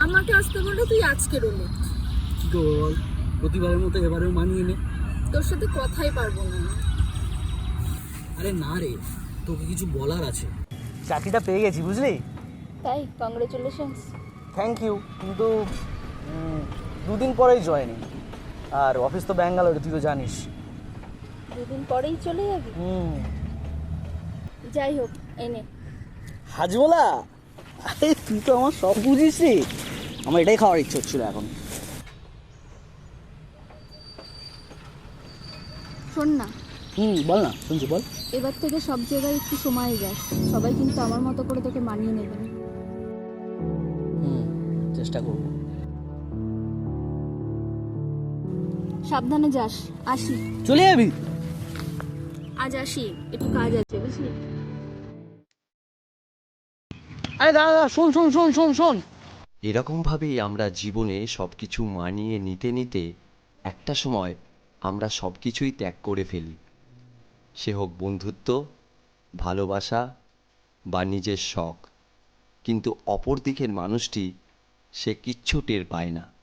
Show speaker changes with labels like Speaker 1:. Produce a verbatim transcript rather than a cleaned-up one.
Speaker 1: আমাকে আসতে বললে তুই আজকে রোলে
Speaker 2: কি করবো বল, প্রতিবারের মতো এবারেও মানিয়ে নে।
Speaker 1: তোর সাথে কথাই পারবো না।
Speaker 2: আরে না রে, তোকে কিছু বলার আছে।
Speaker 3: চাকরিটা পেয়ে গেছি বুঝলি।
Speaker 1: তাই কংগ্রেচুলেশনস।
Speaker 3: থ্যাংক ইউ, কিন্তু উম, দুদিন পরেই জয়েনিং, আর অফিস তো ব্যাঙ্গালোরে, তুই তো জানিস।
Speaker 1: দুদিন পরেই চলে যাবি?
Speaker 3: হুম।
Speaker 1: যাই হোক, এনে
Speaker 3: হাজবোলা, আরে তুই তো আমার সব বুঝিস রে। আমার এটাই খাওয়ার ইচ্ছে হচ্ছিল এখন।
Speaker 1: শোন না,
Speaker 3: হুম বল না, শুনছি বল।
Speaker 1: এবার থেকে সব জায়গায় একটু সময় যাস, সবাই কিন্তু আমার মতো করে তোকে মানিয়ে নেবে না।
Speaker 3: হুম, চেষ্টা করবো।
Speaker 1: সাবধানে যাস। আসি।
Speaker 3: চলে যাবি?
Speaker 1: আজ আসি, একটু কাজ আছে বুঝলি।
Speaker 3: আরে দাদা দাদা, শোন শোন শোন শোন শোন।
Speaker 4: এরকমভাবেই আমরা জীবনে সব কিছু মানিয়ে নিতে নিতে একটা সময় আমরা সব কিছুই ত্যাগ করে ফেলি, সে হোক বন্ধুত্ব, ভালোবাসা বা নিজের শখ। কিন্তু অপর দিকের মানুষটি সে কিচ্ছু টের পায় না।